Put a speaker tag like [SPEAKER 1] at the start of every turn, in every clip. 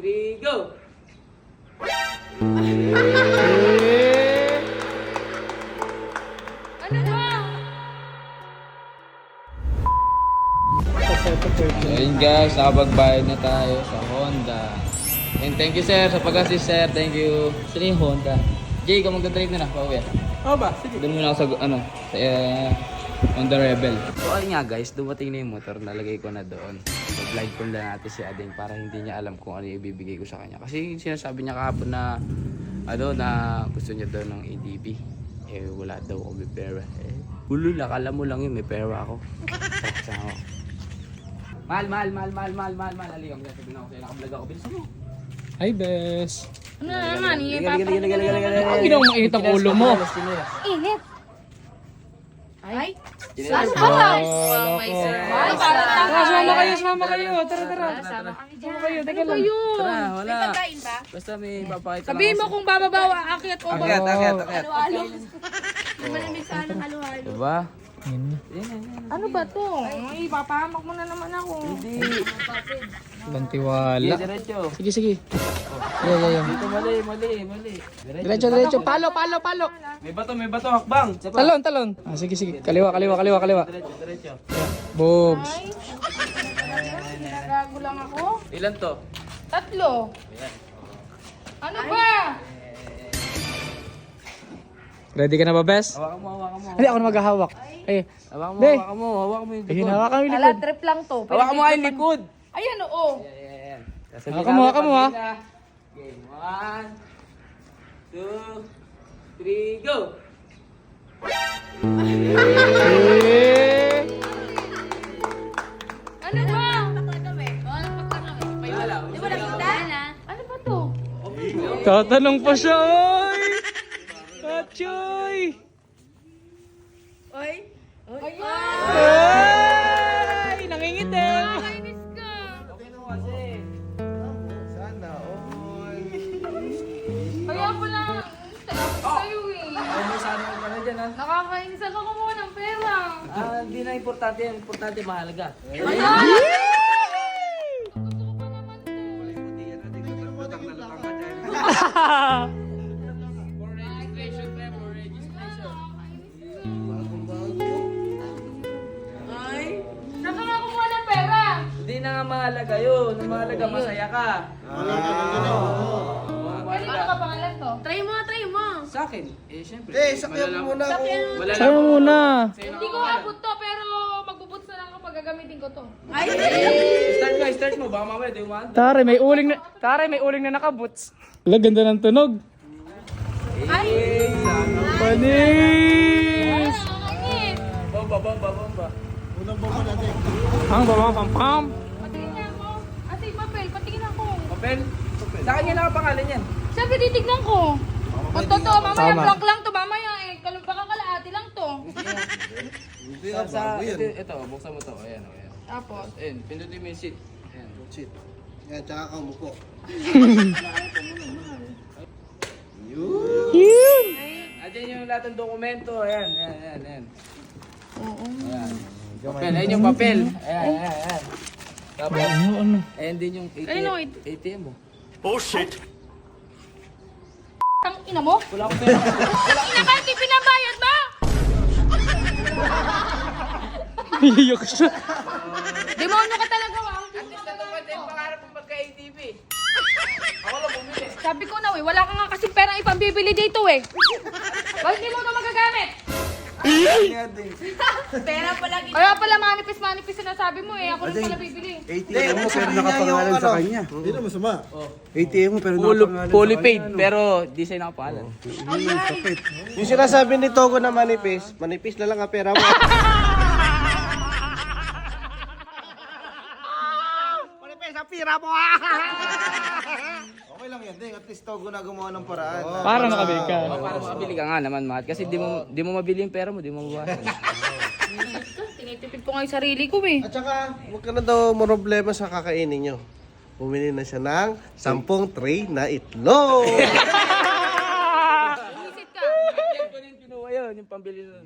[SPEAKER 1] 3, go!
[SPEAKER 2] Ano ba?
[SPEAKER 1] Ayun guys, nakapagbayad na tayo sa Honda. And thank you sir sa pag-assist sir, thank you. Sino yung Honda? Jay, ikaw magdadrive na pauwi.
[SPEAKER 3] Oo ba? Sige.
[SPEAKER 1] Doon muna ako sa sa Honda Rebel. So ayun nga guys, dumating na yung motor, nalagay ko na doon. So vlog ko na natin si Ading para hindi niya alam kung ano yung ibibigay ko sa kanya. Kasi sinasabi niya kahapon na na gusto niya daw ng ADB. Eh wala daw ako may pera. Hulul, akala mo lang yun, may pera ako. Sama ako. Mahal. Halika mo, sabihin ako sa'yo, nakablog ako. Bilisan mo.
[SPEAKER 3] Hi, Bes.
[SPEAKER 2] Ano na naman?
[SPEAKER 3] Ang ginawang mainit ang ulo mo.
[SPEAKER 2] Init. Ay?
[SPEAKER 1] Ano
[SPEAKER 2] ba?
[SPEAKER 3] May
[SPEAKER 2] Ay, parang
[SPEAKER 3] Sumama kayo. Tara.
[SPEAKER 2] Sama kami dyan.
[SPEAKER 3] Teka
[SPEAKER 2] Ano ba
[SPEAKER 3] lang.
[SPEAKER 2] yun?
[SPEAKER 1] Tara, wala.
[SPEAKER 2] May pagkain ba?
[SPEAKER 1] Basta may papakita
[SPEAKER 2] Sabihin mo kung bababawa, akyat o
[SPEAKER 1] Akyat.
[SPEAKER 2] halo-halo. Malamig sana ng halo-halo.
[SPEAKER 1] Diba?
[SPEAKER 2] Ano ba to? Ay, papahamak mo na naman ako.
[SPEAKER 1] Hindi.
[SPEAKER 3] Bantiwala.
[SPEAKER 1] Diretso.
[SPEAKER 3] Sige. Yeah.
[SPEAKER 1] Dito mali.
[SPEAKER 3] Diretso. Palo.
[SPEAKER 1] May bato, hakbang.
[SPEAKER 3] Talon. Ah, sige. Kaliwa.
[SPEAKER 1] Diretso.
[SPEAKER 3] Bogs.
[SPEAKER 2] Ay, nagago lang ako.
[SPEAKER 1] Ilan to?
[SPEAKER 2] 3. Ano ba?
[SPEAKER 3] Ready ka na ba, Bes?
[SPEAKER 1] Hawakan mo.
[SPEAKER 3] Hindi, ako na maghahawak. Ay,
[SPEAKER 1] Hawakan
[SPEAKER 3] Be.
[SPEAKER 1] mo yung
[SPEAKER 3] ayun,
[SPEAKER 1] likod.
[SPEAKER 3] hawakan mo yung
[SPEAKER 2] Kala
[SPEAKER 3] likod.
[SPEAKER 2] trip lang to.
[SPEAKER 1] Hawakan mo nga yung likod.
[SPEAKER 2] Ayan, oo.
[SPEAKER 1] Ayan.
[SPEAKER 3] Hawakan mo, ha?
[SPEAKER 1] Game. 1, 2, 3, go!
[SPEAKER 2] Ano ba?
[SPEAKER 1] Wala.
[SPEAKER 2] Di ba nakita? Ano ba to?
[SPEAKER 3] Tatanong pa siya, oy! Kachoy!
[SPEAKER 2] Ay! Ayan!
[SPEAKER 3] Ay! Nangingitim!
[SPEAKER 2] Nakakainis ka! Kaya pala, sa'yo eh.
[SPEAKER 1] Sana ka na dyan, ha?
[SPEAKER 2] Nakakainis ako kumuha ng pera.
[SPEAKER 1] Hindi na importante yan. Importante, mahalaga. For registration, for registration.
[SPEAKER 2] Saan ka nga kumuha ng pera?
[SPEAKER 1] Hindi na nga mahalaga yun. Ang mahalaga, masaya ka.
[SPEAKER 2] Pwede ko ka pangalan to? Try mo.
[SPEAKER 1] Sa akin, syempre.
[SPEAKER 4] sakyan mo muna ako.
[SPEAKER 3] Sa'yo muna.
[SPEAKER 2] Hindi ko abot to, pero magbubuts na lang ako pag gagamitin ko to. Ay!
[SPEAKER 1] Start mo. Baka mamaya, di umaan.
[SPEAKER 3] Tare, may uling na nakaboots. Wala, ganda ng tunog.
[SPEAKER 2] Ay!
[SPEAKER 3] Panis!
[SPEAKER 2] Nakakainis!
[SPEAKER 1] Bomba.
[SPEAKER 3] Pam.
[SPEAKER 2] Patingin niya ako. Ate, papel, patingin ako.
[SPEAKER 1] Papel? Sa kanya nakapangalan yan.
[SPEAKER 2] Siyempre, titignan ko. Kung totoo, mamaya
[SPEAKER 3] Tama.
[SPEAKER 2] blank lang to, mamaya eh. Baka kalaati lang to.
[SPEAKER 1] Ito, buksan mo to. Ayan.
[SPEAKER 2] Tapos,
[SPEAKER 1] Ayan, pindutin mo yung seat. Ayan.
[SPEAKER 4] Shit. Yan, tsaka ka umupo.
[SPEAKER 3] Yun!
[SPEAKER 1] Ayan yung lahat ng dokumento. Ayan.
[SPEAKER 2] oo.
[SPEAKER 1] Ayan. Papel, ayun yung papel. Ayan. Tapos,
[SPEAKER 3] Ano?
[SPEAKER 1] ayan din yung
[SPEAKER 2] Ayun, oh,
[SPEAKER 1] ATM mo.
[SPEAKER 2] Tang ina mo?
[SPEAKER 1] Wala akong pera.
[SPEAKER 2] Ina ba, hindi pinabayad ba?
[SPEAKER 3] Iyak siya.
[SPEAKER 2] Demonyo ka talaga, wow.
[SPEAKER 1] Pangarap mo pagka-ATV. Ako lang bumili.
[SPEAKER 2] Sabi ko na, wala ka nga kasi perang ipambibili dito eh. Bakit hindi mo ito magagamit? Pera pala. Kaya pala manipis sinasabi mo eh. Ako rin pala bibili.
[SPEAKER 4] ATM mo, pero nakapangalan sa kanya. Hindi na masama. ATM mo, pero nakapangalan
[SPEAKER 1] Fully paid, pero di sa'yo nakapangalan.
[SPEAKER 4] Yung sinasabi ni Togo na manipis na lang ang pera mo. Manipis ang pera mo! Okay lang yan, Ding. At least Togo na gumawa ng paraan.
[SPEAKER 3] Para makabili ka.
[SPEAKER 1] Para makabili ka nga naman, Mahat. Kasi di mo mabili yung pera mo, di mo mabawasan.
[SPEAKER 2] Tinitipid ko nga yung sarili ko eh.
[SPEAKER 4] At saka, huwag ka na daw problema sa kakainin nyo. Bumili na siya ng 10 tray na itlog.
[SPEAKER 2] Bumisit ka.
[SPEAKER 1] Yan ko rin kinuha yun, yung pambili nun.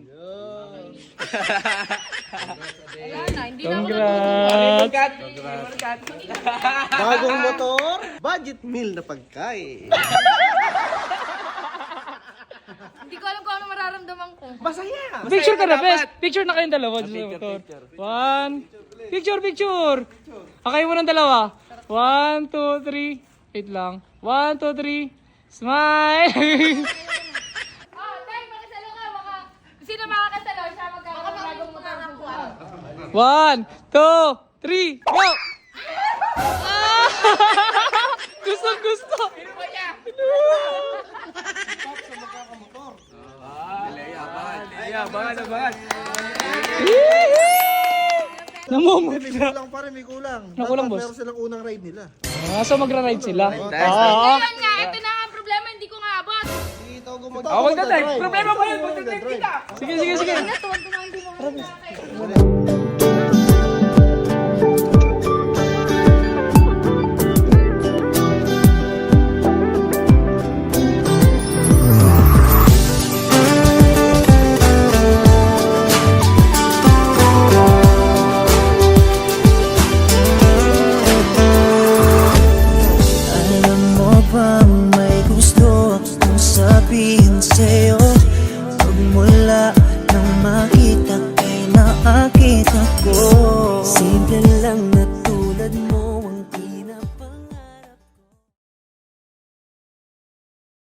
[SPEAKER 2] Wala na, hindi na ako
[SPEAKER 3] Congrats!
[SPEAKER 4] Bagong motor, budget meal na pagkain.
[SPEAKER 2] Hindi ko alam kung ano mararamdaman ko.
[SPEAKER 4] Masaya!
[SPEAKER 3] Picture ka na, best. Picture na kayong dalawa. Sa motor. One. Picture. Akay mo ng dalawa. 1, 2, 3. Wait lang. 1, 2, 3. Smile!
[SPEAKER 2] Oh, tay, makasalo ka. Sino makakasalo? Siya magkakaroon ng bagong motor ng buwan.
[SPEAKER 3] 1, 2, 3, go! Ah! Gusto!
[SPEAKER 1] Abangan.
[SPEAKER 3] Namumot
[SPEAKER 5] May
[SPEAKER 3] na.
[SPEAKER 5] kulang pa rin, may kulang.
[SPEAKER 3] Nakulang,
[SPEAKER 5] Dapat
[SPEAKER 3] boss.
[SPEAKER 5] meron silang unang ride nila.
[SPEAKER 3] So magra-ride sila.
[SPEAKER 2] Ngayon nga, ito na ang problema, hindi ko nga abot.
[SPEAKER 4] Dito ako
[SPEAKER 5] Ito,
[SPEAKER 3] Problema ba yun?
[SPEAKER 5] Magdadrive.
[SPEAKER 3] Sige.
[SPEAKER 2] Tuwan-tuwa hindi mo ako nakakain.